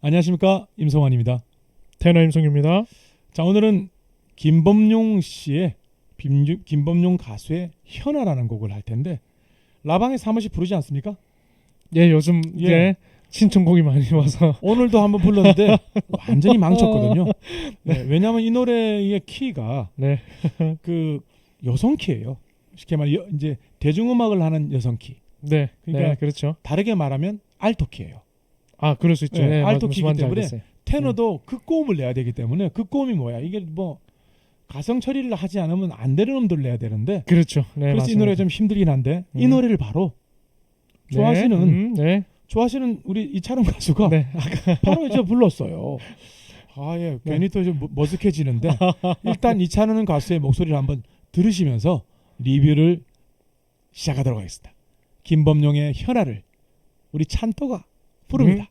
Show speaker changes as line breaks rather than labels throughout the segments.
안녕하십니까, 임성환입니다.
테너 임성규입니다.
자, 오늘은 김범용 씨의 김범용 가수의 현아라는 곡을 할 텐데 라방에서 한 번씩 부르지 않습니까?
예, 요즘 신청곡이 많이 와서
오늘도 한번 불렀는데 완전히 망쳤거든요. 네, 왜냐하면 이 노래의 키가
네.
그 여성 키예요. 쉽게 말해 이제 대중음악을 하는 여성 키.
네,
그러니까
네, 그렇죠.
다르게 말하면 알토 키예요.
아, 그럴 수 있죠.
네,
네,
알토
무슨
키이기
말인지
때문에
알겠어요.
테너도 극고음을 내야 되기 때문에 극고음이 뭐야? 이게 뭐 가성 처리를 하지 않으면 안 되는 음들을 내야 되는데
그렇죠. 네,
그래서
맞습니다.
이 노래 좀 힘들긴 한데 이 노래를 바로 좋아하시는
네.
좋아하시는 우리 이찬원 가수가
네.
바로 이제 불렀어요. 아, 예, 괜히 또 좀 머쓱해지는데 일단 이찬원 가수의 목소리를 한번 들으시면서 리뷰를 시작하도록 하겠습니다. 김범용의 현아를 우리 찬또가 부릅니다.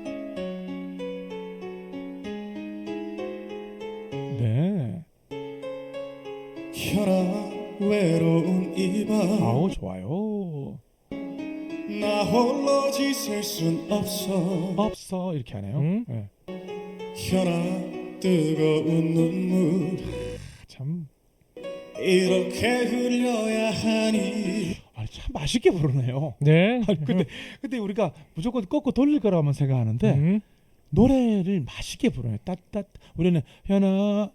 네.
현아 외로운 이밤
아우, 좋아요.
나 홀로 지낼 순 없어
이렇게 하네요. 네.
현아 뜨거운 눈물
참,
이렇게 흘려야 하니
참 맛있게 부르네요.
네.
아니, 근데 우리가 무조건 꺾고 돌릴 거라고만 생각하는데 노래를 맛있게 부르네. 따따 우리는 현아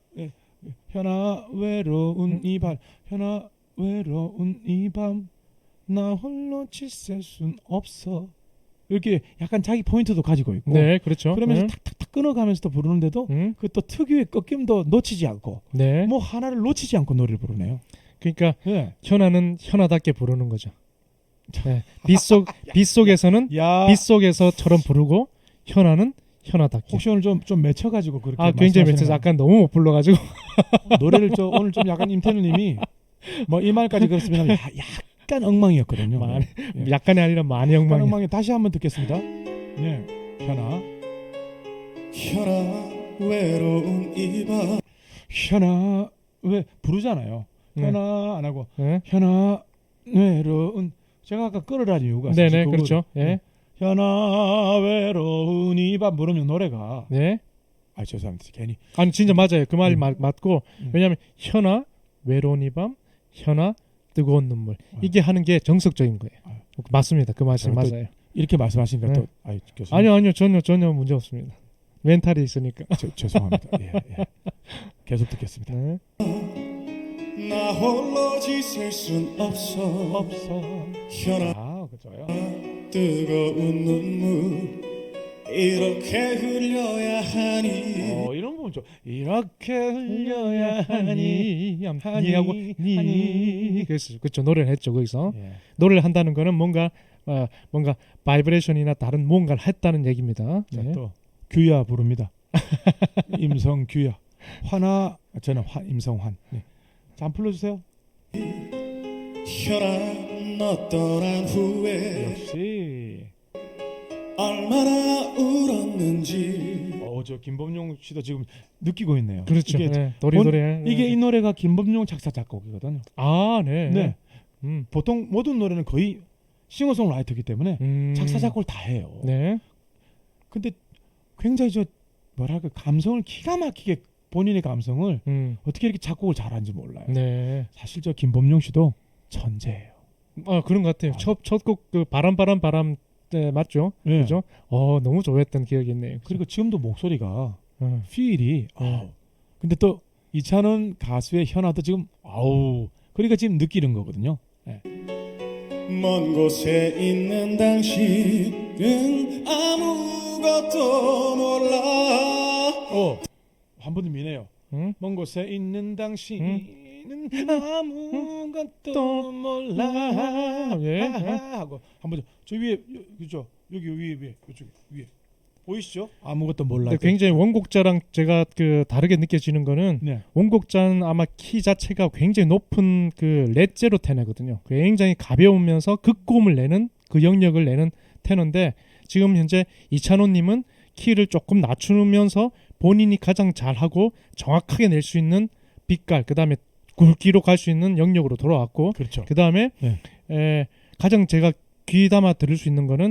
외로운 이 밤, 현아 외로운 이 밤 나 홀로 지낼 순 없어. 이렇게 약간 자기 포인트도 가지고 있고.
네, 그렇죠.
그러면서 탁탁탁 끊어가면서도 부르는데도 그 또 특유의 꺾임도 놓치지 않고
네.
뭐 하나를 놓치지 않고 노래를 부르네요.
그러니까
예.
현아는 현아답게 부르는 거죠. 네. 빗속에서는
야,
빗속에서처럼 부르고 현아는 현아답게.
혹시 오늘 좀 맺혀가지고 그렇게
굉장히
말씀하시는
맺혀서 아까 너무 못 불러가지고.
노래를 오늘 좀 약간 임태누님이 뭐 이 말까지 그렇습니다. 약간 엉망이었거든요. 예.
약간이 아니라 많이
약간
엉망이.
엉망이 다시 한번 듣겠습니다. 네, 현아
외로운 이밤
현아 왜 부르잖아요.
네.
현아 안 하고
네.
현아 외로운 제가 아까 끌어라는 이유가
네네,
사실
그렇죠. 예.
현아 외로운 이 밤 부르면 노래가
네.
죄송합니다. 괜히
아니 진짜 맞아요. 그 말이 맞고
음.
왜냐하면 현아 외로운 이 밤, 현아 뜨거운 눈물 이게 하는 게 정석적인 거예요. 맞습니다. 그 말씀 맞아요.
이렇게 말씀하시니까
네.
또 교수님.
아니요 전혀 문제 없습니다. 멘탈이 있으니까.
죄송합니다. 예. 계속 듣겠습니다.
네.
나 홀로 지낼 순 없어 현아
그죠요.
뜨거운 눈물 이렇게 흘려야 하니
이런 부분 좀 이렇게 흘려야 하니
하고 니 그렇죠. 노래를 했죠 거기서.
예.
노래를 한다는 거는 뭔가 바이브레이션이나 다른 뭔가를 했다는 얘기입니다.
자,
네.
또 규야 부릅니다. 임성규야. 화나 저는 임성환. 네. 자, 한번 불러주세요.
현아 너 떠난 후에
역시
얼마나 울었는지
저 김범용 씨도 지금 느끼고 있네요.
그렇죠.
이게,
네. 노래.
이게 이 노래가 김범용 작사 작곡이거든요.
아, 네.
네. 보통 모든 노래는 거의 싱어송라이터이기 때문에 작사 작곡을 다 해요.
네.
근데 굉장히 뭐랄까 감성을 기가 막히게 본인의 감성을 어떻게 이렇게 작곡을 잘하는지 몰라요.
네.
사실 김범용 씨도 천재예요.
그런 것 같아요. 첫곡 그 바람 네, 맞죠?
네.
그죠? 너무 좋아했던 기억이 있네요.
그리고 지금도 목소리가 필이 근데 또 이찬원 가수의 현아도 지금 그러니까 지금 느끼는 거거든요. 네.
먼 곳에 있는 당신은 아무것도 몰라
한 번 더 미네요. 먼 곳에 있는 당신은 아무것도 몰라.
예.
하고 한번 저 위에 그죠? 여기 위에 이쪽 위에 보이시죠? 아무것도 몰라.
굉장히 원곡자랑 제가 그 다르게 느껴지는 거는
네.
원곡자는 아마 키 자체가 굉장히 높은 그 렛제로 테너거든요. 굉장히 가벼우면서 극고음을 내는 그 영역을 내는 테너인데 지금 현재 이찬호님은 키를 조금 낮추면서 본인이 가장 잘하고 정확하게 낼 수 있는 빛깔 그다음에 굵기로 갈 수 있는 영역으로 돌아왔고
그렇죠.
그다음에 가장 제가 귀담아 들을 수 있는 거는
네.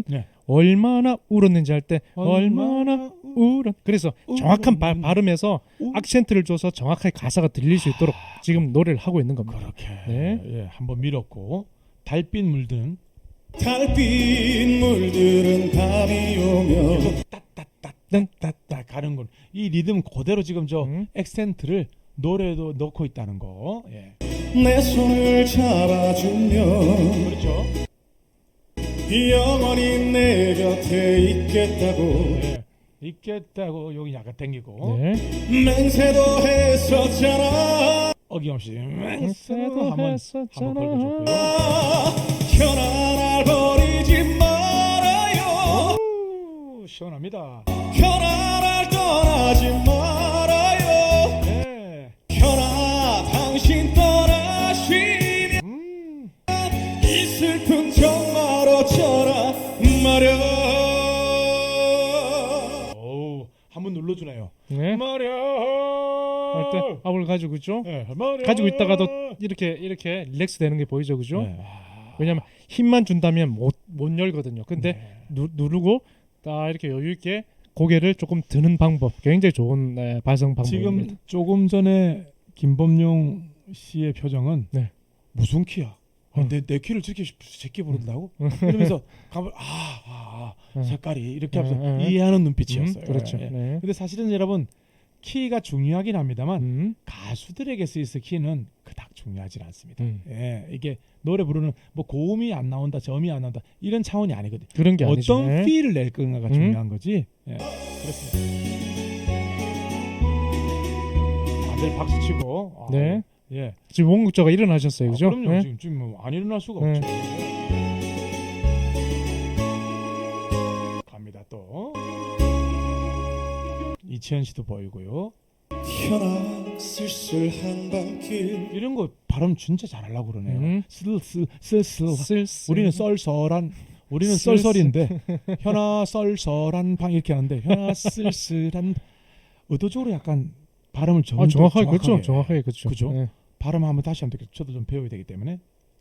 얼마나 울었는지 할 때 얼마나 울었. 그래서 정확한 발음에서 악센트를 줘서 정확하게 가사가 들릴 수 있도록 지금 노래를 하고 있는 겁니다.
그렇게
네.
예, 한번 밀었고 달빛 물드는
달빛 물들은 밤이 오면
따따따따 가는 건 이 리듬 그대로 지금 저
음.
액센트를 노래도 넣고 있다는 거. 예.
내 손을 잡아주면
그렇죠.
영원히 내 곁에 있겠다고
예. 있겠다고 여기 약간 당기고
네.
맹세도 했었잖아.
어김없이
맹세도
한번
했었잖아.
걸어줬고요.
현아 날 버리지 말아요.
오, 시원합니다.
현아 날 떠나지 말아요.
네.
현아 당신 떠나시면 이 슬픔 정말 어쩌라 말야.
오, 한번 눌러주네요.
네.
말야.
할 때 압을 가지고 있죠.
네, 말야.
가지고 있다가도 이렇게 릴렉스 되는 게 보이죠, 그죠?
네.
왜냐면 힘만 준다면 못 열거든요. 근데
네.
누르고 딱 이렇게 여유 있게 고개를 조금 드는 방법 굉장히 좋은 발성 방법입니다.
지금 조금 전에 김범용 씨의 표정은
네.
무슨 키야?
어.
내 키를 저렇게 제끼 부른다고? 이러면서 가만 색깔이 이렇게 하면서 이해하는 눈빛이었어요.
그렇죠.
예.
네.
근데 사실은 여러분 키가 중요하긴 합니다만 가수들에게 쓰이는 키는 그닥 중요하지 않습니다. 예, 이게 노래 부르는 뭐 고음이 안 나온다, 저음이 안 나온다 이런 차원이 아니거든.
그런 게 아니죠.
어떤
네.
필을 낼 건가가 중요한 거지. 예, 그렇습니다. 다들 박수 치고.
네.
예.
지금 원국자가 일어나셨어요, 그죠?
그럼요.
네.
지금 뭐 안 일어날 수가
네.
없죠. 갑니다 또. 이치현 씨도 보이고요.
현아 쓸쓸한 밤길
이런 거 발음 진짜 잘하려고 그러네요.
음.
쓸쓸.
쓸쓸.
우리는 썰썰한. 우리는
쓸쓸.
썰썰인데 현아 썰썰한 방 이렇게 하는데 현아 쓸쓸한. 의도적으로 약간 발음을
정확하게 그렇죠. 정확하게 그렇죠.
그죠?
네.
발음 한번 다시 하면 되겠죠. 저도 좀 배워야 되기 때문에.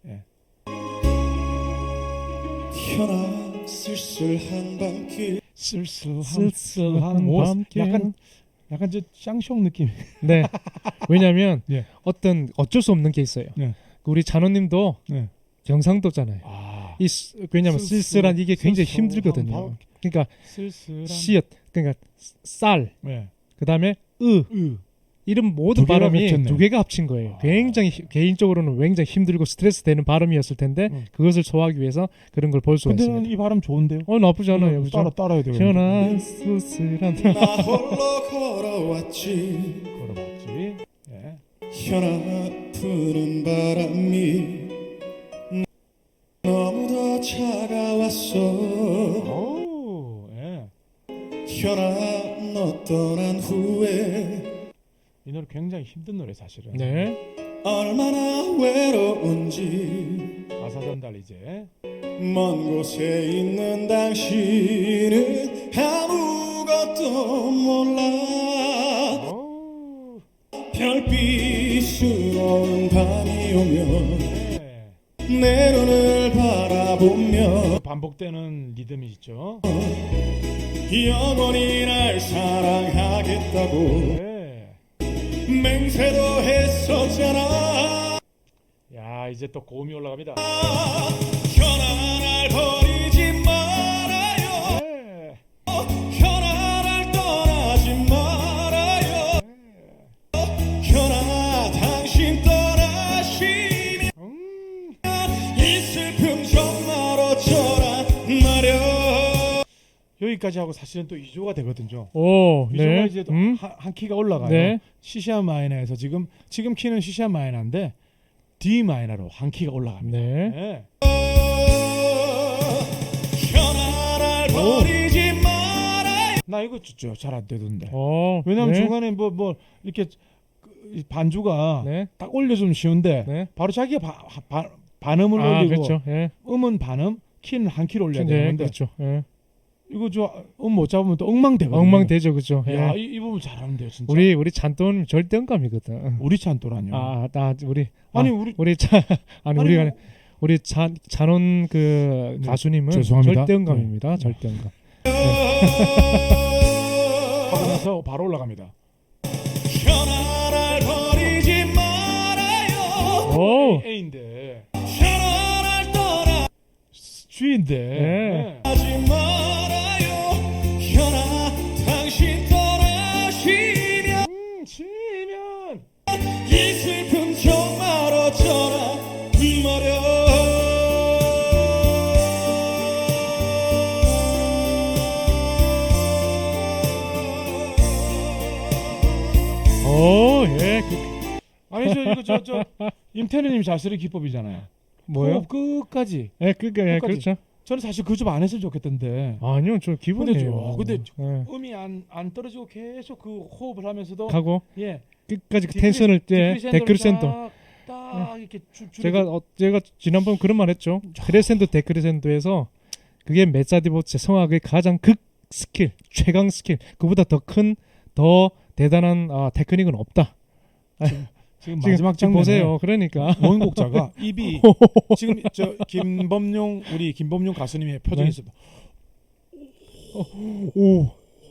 현아 쓸쓸한 밤길
쓸쓸한
오, 밤길.
약간 저 쌍숑 느낌.
네. 왜냐하면
예.
어쩔 수 없는 게 있어요.
네.
우리 잔호님도
네.
경상도잖아요. 왜냐하면 쓸쓸한 이게 굉장히
쓸쓸한
힘들거든요. 그러니까
쓸쓸한
씨앗, 그러니까 쌀,
네.
그다음에 이런 모든
두 개가
발음이
합쳤네.
두 개가 합친 거예요. 굉장히 개인적으로는 굉장히 힘들고 스트레스 되는 발음이었을 텐데 그것을 소화하기 위해서 그런 걸 볼 수가
근데
있습니다.
이 발음 좋은데요?
나쁘지 않아요. 그죠?
따라야 돼요.
현아 쓸쓸한
나 홀로 걸어왔지
걸어봤지. 예.
현아 푸는 바람이 너무도 차가웠어
오, 예.
현아 너 떠난 후에
이 노래 굉장히 힘든 노래 사실은.
네.
얼마나 외로운지
가사 전달 이제.
먼 곳에 있는 당신은 아무것도 몰라
오,
별빛스러운 밤이 오면
네.
내 눈을 바라보며
반복되는 리듬이 있죠.
영원히 날 사랑하겠다고
네.
맹세도 했었잖아
야, 이제 또 고음이 올라갑니다.
현아 날 버리지 말아요
네.
현아 날 떠나지 말아요 현아 당신 떠나시면 이 슬픔 정말 어쩌라 말야
여기까지 하고 사실은 또 2조가 되거든요.
오,
2조가
네.
이제 또 한 키가 올라가요.
네.
C샵 마이너에서 지금 키는 C샵 마이너인데 D 마이너로 한 키가 올라갑니다.
네.
네.
현아 날 버리지 말아요
나 이거 잘 안 되던데.
네.
왜냐면 중간에 뭐 이렇게 이 반주가
네.
딱 올려주면 쉬운데
네.
바로 자기가 반음을 올리고
그렇죠. 예.
음은 반음, 키는 한 키를 올려야
네,
되는데
그렇죠. 예.
이거 못 잡으면 또 엉망되거든요.
엉망되죠, 그죠? 예.
야, 이 부분 잘하는데요, 진짜.
우리 찬돈 절대 음감이거든.
우리 찬또라뇨.
우리
아니 우리
우리가 우리 찬원 그
네,
가수님은
죄송합니다.
절대음감입니다. 절대음감.
하고 나서 바로 올라갑니다.
현아를 버리지 말아요.
오,
A인데
현아를 떠나지
G인데
네.
말아요. 현아 당신 떠나시면
치면
이 슬픔 정말 어쩌라
오, 예.
아니죠 이거 저 임태현님 자수의 기법이잖아요.
뭐요?
호흡 끝까지.
예, 끝까지.
끝까지.
그렇죠.
저는 사실 그 좀 안 했으면 좋겠던데.
아니요, 저 기본이에요.
근데
예.
음이 안 떨어지고 계속 그 호흡을 하면서도
하고
예
끝까지 그 텐션을 때 데크리센도.
딱 이렇게
제가 지난번 그런 말 했죠. 크레센도 데크리센도에서 그게 메사디보체 성악의 가장 극 스킬, 최강 스킬. 그보다 더 대단한 테크닉은 없다.
지금 마지막
지금
장면에
보세요. 그러니까
원곡자가 입이 지금 저 우리 김범용 가수님의 표정이
네.
있습니다.
오.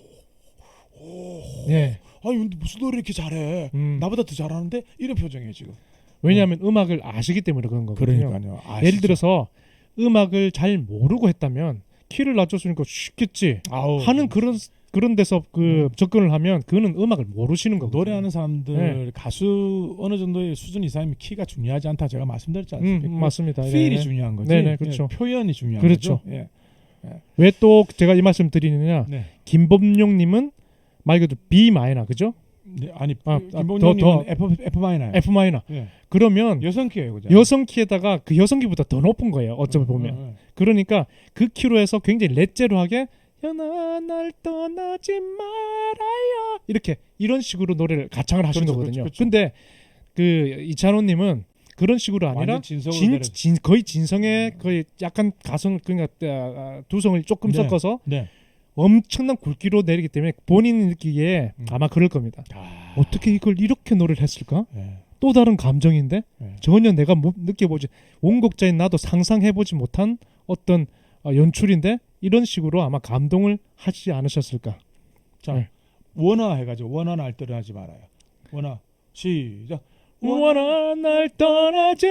예.
아니 근데 무슨 노래 이렇게 잘해? 나보다 더 잘하는데 이런 표정이에요 지금.
왜냐하면 음악을 아시기 때문에 그런 거거든요.
그러니까요.
예를 들어서 음악을 잘 모르고 했다면 키를 낮춰주니까 쉽겠지 하는 그런 데서 그 접근을 하면 그거는 음악을 모르시는 거거든요.
노래하는 사람들 가수 어느 정도의 수준 이상이면 키가 중요하지 않다 제가 말씀드렸지 않습니까?
맞습니다.
필이
네.
중요한 거지.
네네, 그렇죠.
예, 표현이 중요한
그렇죠.
거죠. 예.
왜 또 제가 이 말씀 드리느냐?
네.
김범용님은 말 그대로 B 마이너 그죠?
네, 아니
더
김범용님은 F 마이너예요.
F 마이너.
예.
그러면
여성 키예요, 그죠?
여성 키에다가 그 여성 키보다 더 높은 거예요. 어쩌면 보면. 그러니까 그 키로 해서 굉장히 렛제로하게 현아 날 떠나지 말아요 이렇게 이런 식으로 노래를 가창을 하시는
그렇죠,
거거든요.
그렇죠.
근데 그 이찬호님은 그런 식으로 아니라
완전 진성으로
거의 진성의 거의 약간 가성 그러니까 두성을 조금
네.
섞어서
네.
엄청난 굵기로 내리기 때문에 본인이 느끼기에 아마 그럴 겁니다. 어떻게 이걸 이렇게 노래를 했을까?
네.
또 다른 감정인데
네.
전혀 내가 느껴보지 원곡자인 나도 상상해보지 못한 어떤 연출인데 이런 식으로 아마 감동을 하지 않으셨을까?
자,
네.
원화 해가지고 원화 날 떠나지 말아요. 원화 시작.
원아 날 떠나지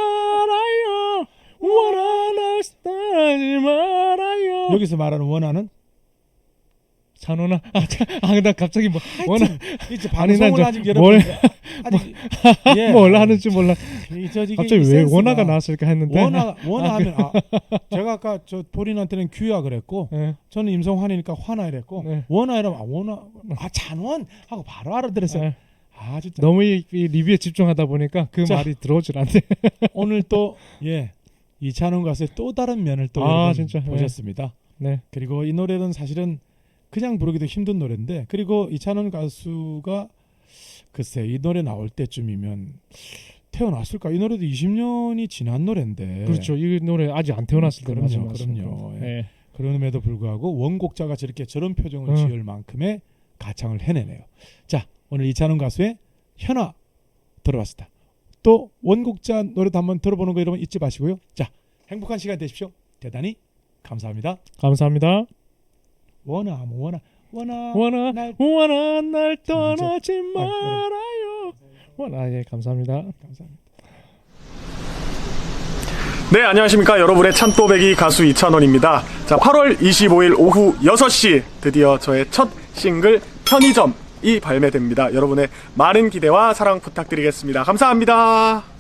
말아요. 원아 날 떠나지 말아요.
여기서 말하는 원화는
찬원아, 나 갑자기 뭐 원아
이제
아니, 난
방송을
저
아직
뭘-
여러분 아직 예.
뭘 하는지 몰라.
이게
갑자기 왜
센스가
원아가 나왔을까 했는데.
원화하면 제가 아까 저 본인한테는 규야 그랬고
네.
저는 임성환이니까 화나 이랬고
네.
원화이라면 원화 찬원 하고 바로 알아들었어요.
네.
진짜
너무 이 리뷰에 집중하다 보니까 그
자.
말이 들어오질 않네.
오늘 또 이찬원 가수의 또 다른 면을 또 여러분
진짜.
보셨습니다.
네.
그리고 이 노래는 사실은 그냥 부르기도 힘든 노래인데 그리고 이찬원 가수가 글쎄 이 노래 나올 때쯤이면 태어났을까? 이 노래도 20년이 지난 노래인데
그렇죠. 이 노래 아직 안 태어났을 때
그럼요. 예. 그럼에도 불구하고 원곡자가 저런 표정을 지을 만큼의 가창을 해내네요. 자, 오늘 이찬원 가수의 현아 들어봤습니다. 또 원곡자 노래도 한번 들어보는 거 여러분 잊지 마시고요. 자, 행복한 시간 되십시오. 대단히 감사합니다.
감사합니다.
원아
원아 날 떠나지 말아요. 원아 감사합니다.
감사합니다.
네, 안녕하십니까. 여러분의 찬또배기 가수 이찬원입니다. 자, 8월 25일 오후 6시 드디어 저의 첫 싱글 편의점이 발매됩니다. 여러분의 많은 기대와 사랑 부탁드리겠습니다. 감사합니다.